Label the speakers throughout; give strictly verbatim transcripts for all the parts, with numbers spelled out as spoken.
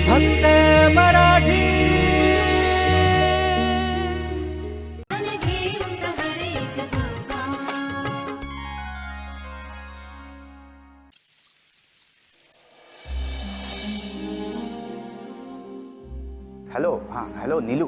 Speaker 1: फक्त मराठी.
Speaker 2: हॅलो. हां हॅलो नीलू.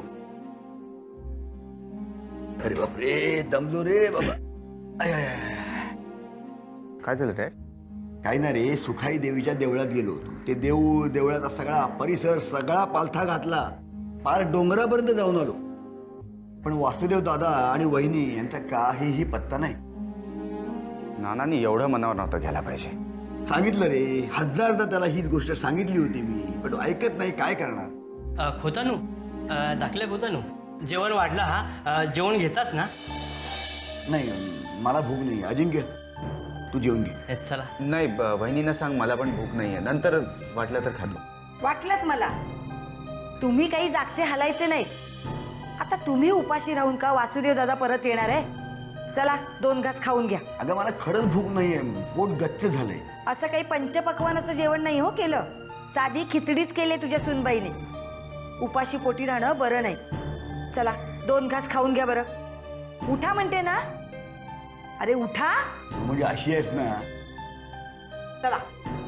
Speaker 3: अरे बापरे दमलो रे बाबा. आय, आय, आय.
Speaker 2: काय झालं रे?
Speaker 3: काही ना रे सुखाई देवीच्या देवळात गेलो होतो. ते देऊळ देवळाचा सगळा परिसर सगळा पालथा घातला. पार डोंगरापर्यंत जाऊन आलो. पण वासुदेव दादा आणि वहिनी यांचा काहीही पत्ता नाही.
Speaker 2: नानांनी एवढं मनावर नव्हतं घ्यायला पाहिजे.
Speaker 3: सांगितलं रे हजारदा त्याला हीच गोष्ट सांगितली होती मी, पण तो ऐकत नाही. काय करणार.
Speaker 4: अ, खोतानू अ, दाखल्या खोतानू जेवण वाढला हा. अ, जेवण घेतास ना?
Speaker 3: नाही मला भूक नाही. अजिंक्य तू जेवून घे.
Speaker 4: ए, चला.
Speaker 2: नाही ब- वहिनीनं सांग मला पण भूक नाहीये, नंतर वाटलं तर खातो.
Speaker 5: वाटलंच मला. तुम्ही काही जागचे हलायचे नाही. आता तुम्ही उपाशी राहून का वासुदेव दादा परत येणार आहे? चला दोन घास खाऊन घ्या.
Speaker 3: अगं मला खरंच भूक नाहीये. पोट गच्च झालंय.
Speaker 5: असं काही पंचपक्वानाचं जेवण नाही हो केलं. साधी खिचडीच केली तुझ्या सुनबाईने. उपाशी पोटी राहणं बरं नाही. चला दोन घास खाऊन घ्या बरं. उठा म्हणते ना. अरे उठा.
Speaker 3: म्हणजे अशी आहेस ना.
Speaker 5: चला.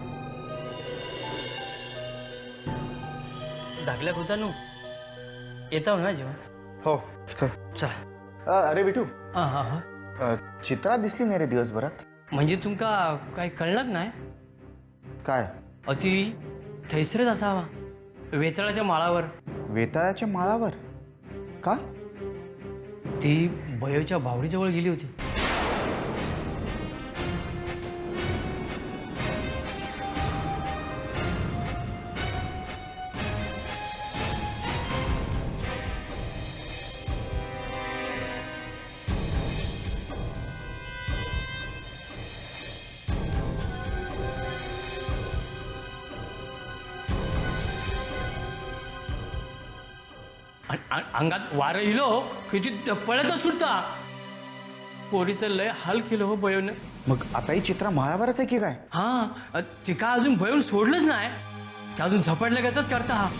Speaker 4: दाखल्या खोतानू येतो ना जेवण?
Speaker 2: हो चल.
Speaker 4: चला.
Speaker 2: अ, अरे विठू
Speaker 4: हा हा हा.
Speaker 2: अ, चित्रा दिसली नाही रे दिवसभरात.
Speaker 4: म्हणजे तुमका काही कळलं नाही?
Speaker 2: काय?
Speaker 4: अति थैसरच असावा वेताळाच्या माळावर.
Speaker 2: वेताळाच्या माळावर का?
Speaker 4: ती भयोच्या भावडीजवळ गेली होती. अन- अन- अंगात वारं इलो किती पळतच सुटता. पोरीचं लय हाल केलं हो बयोनं.
Speaker 2: मग आता ही चित्रा माळावरच आहे की काय?
Speaker 4: हा ती का अजून भयून सोडलंच नाही. ते अजून झपाटल्यागतच करता हा.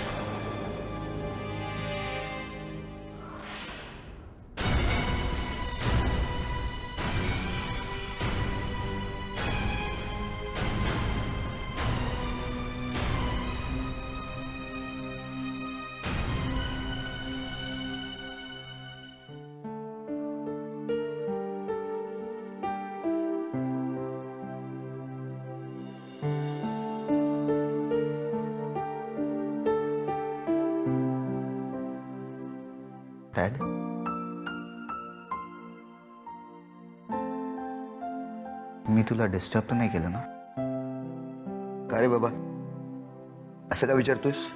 Speaker 2: डॅड मी तुला डिस्टर्ब तर नाही केलं ना?
Speaker 3: का रे बाबा असं का विचारतोयस?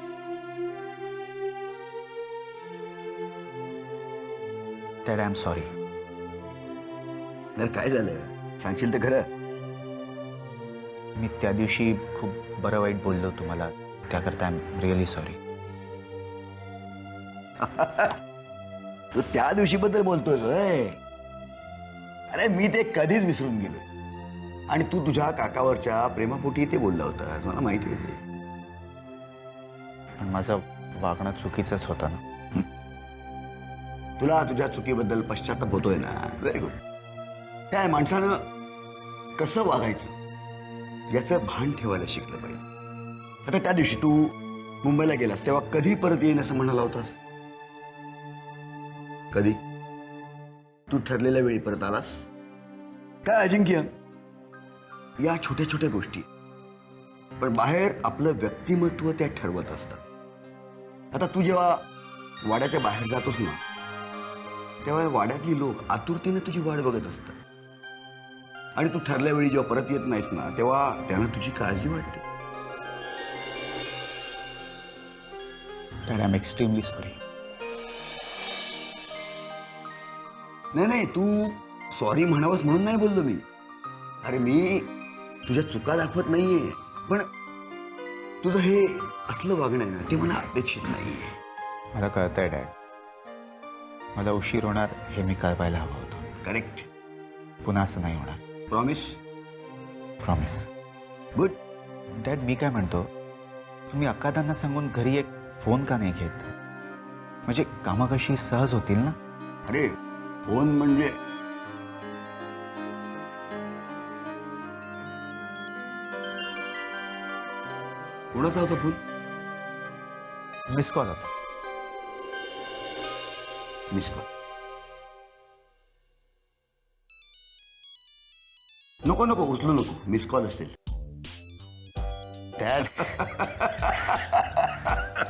Speaker 2: Dad I am sorry.
Speaker 3: तर काय झालं सांगशील तर खरं.
Speaker 2: मी त्या दिवशी खूप बरं वाईट बोललो तुम्हाला, त्याकरता आय एम रिअली सॉरी.
Speaker 3: तू त्या दिवशी बद्दल बोलतोय होय? अरे मी ते कधीच विसरून गेलो. आणि तू तुझ्या काकावरच्या प्रेमापोटी ते बोलला होतास मला माहिती आहे.
Speaker 2: पण माझं वागणं चुकीचंच होतं ना.
Speaker 3: तुला तुझ्या चुकीबद्दल पश्चाताप होतोय ना. Very good. काय माणसानं कसं वागायचं याचं भान ठेवायला शिकलं पाहिजे. आता त्या दिवशी तू मुंबईला गेलास तेव्हा कधी परत येईन असं म्हणाला होतास? कधी? तू ठरलेल्या वेळी परत आलास काय अजिंक्य? या छोट्या छोट्या गोष्टी पण बाहेर आपलं व्यक्तिमत्व त्या ठरवत असतात. आता तू जेव्हा वाड्याच्या बाहेर जातोस ना तेव्हा वाड्यातली लोक आतुरतेने तुझी वाट बघत असतात. आणि तू ठरल्या वेळी जेव्हा परत येत नाहीस ना तेव्हा त्यांना तुझी काळजी वाटते.
Speaker 2: Dad I am extremely sorry.
Speaker 3: नाही नाही तू सॉरी म्हणावंस म्हणून नाही बोललो मी. अरे मी तुझ्या चुका दाखवत नाहीये, पण तुझं हे असलं वागणं आहे ना ते मला अपेक्षित नाहीये.
Speaker 2: मला कळतंय डॅड, मला उशीर होणार हे मी कळवायला हवं होतं.
Speaker 3: करेक्ट.
Speaker 2: पुन्हा असं नाही होणार.
Speaker 3: प्रॉमिस?
Speaker 2: प्रॉमिस.
Speaker 3: गुड.
Speaker 2: डॅड मी काय म्हणतो, तुम्ही अक्कादांना सांगून घरी एक फोन का नाही घेत? म्हणजे कामं कशी सहज होतील ना.
Speaker 3: अरे फोन म्हणजे कोणाचा होता फोन?
Speaker 2: मिस कॉल होता.
Speaker 3: Miss call. नको नको उचलू नको, मिस कॉल असेल. डॅड